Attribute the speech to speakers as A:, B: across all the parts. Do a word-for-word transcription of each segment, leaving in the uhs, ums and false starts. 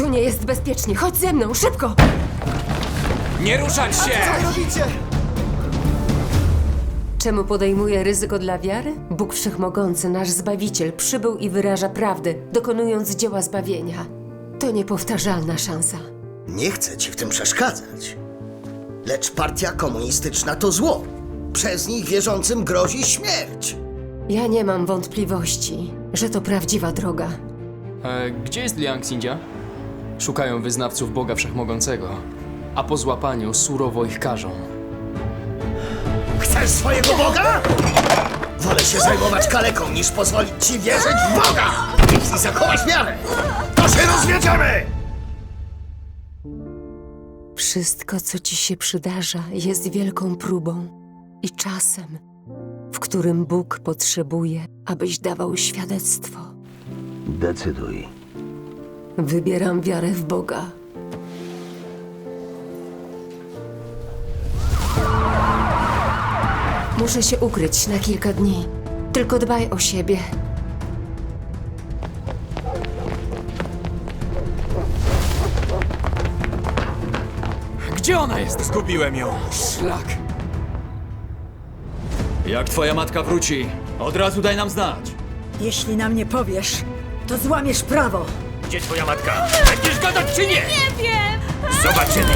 A: Tu nie jest bezpiecznie. Chodź ze mną, szybko!
B: Nie ruszać się!
C: Co robicie?
A: Czemu podejmuje ryzyko dla wiary? Bóg Wszechmogący, nasz Zbawiciel, przybył i wyraża prawdę, dokonując dzieła zbawienia. To niepowtarzalna szansa.
C: Nie chcę ci w tym przeszkadzać. Lecz partia komunistyczna to zło. Przez nich wierzącym grozi śmierć.
A: Ja nie mam wątpliwości, że to prawdziwa droga.
B: E, gdzie jest Liang Xinjia? Szukają wyznawców Boga Wszechmogącego, a po złapaniu surowo ich karzą.
C: Chcesz swojego Boga? Wolę się zajmować kaleką, niż pozwolić ci wierzyć w Boga! Jeśli zachowasz wiarę, to się rozwiedziemy!
A: Wszystko, co ci się przydarza, jest wielką próbą i czasem, w którym Bóg potrzebuje, abyś dawał świadectwo.
D: Decyduj.
A: Wybieram wiarę w Boga. Muszę się ukryć na kilka dni. Tylko dbaj o siebie.
B: Gdzie ona jest?
E: Zgubiłem ją.
B: Szlak!
E: Jak twoja matka wróci, od razu daj nam znać.
F: Jeśli nam nie powiesz, to złamiesz prawo.
E: Gdzie twoja matka? Będziesz gadać czy nie? Nie wiem! Zobaczymy!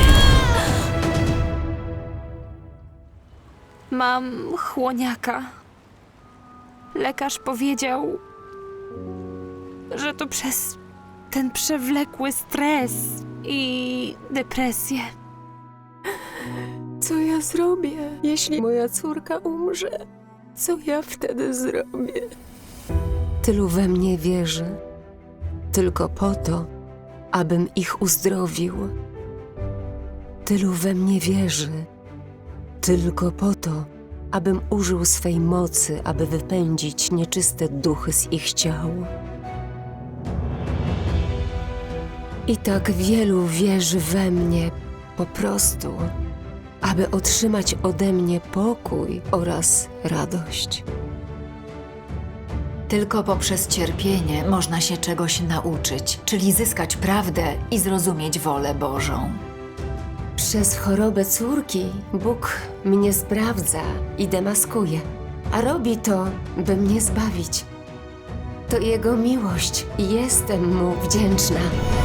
G: Mam chłoniaka. Lekarz powiedział, że to przez ten przewlekły stres i depresję. Co ja zrobię, jeśli moja córka umrze? Co ja wtedy zrobię?
A: Tylu we mnie wierzy, tylko po to, abym ich uzdrowił. Tylu we mnie wierzy, tylko po to, abym użył swej mocy, aby wypędzić nieczyste duchy z ich ciał. I tak wielu wierzy we mnie po prostu, aby otrzymać ode mnie pokój oraz radość.
H: Tylko poprzez cierpienie można się czegoś nauczyć, czyli zyskać prawdę i zrozumieć wolę Bożą.
A: Przez chorobę córki Bóg mnie sprawdza i demaskuje, a robi to, by mnie zbawić. To Jego miłość i jestem Mu wdzięczna.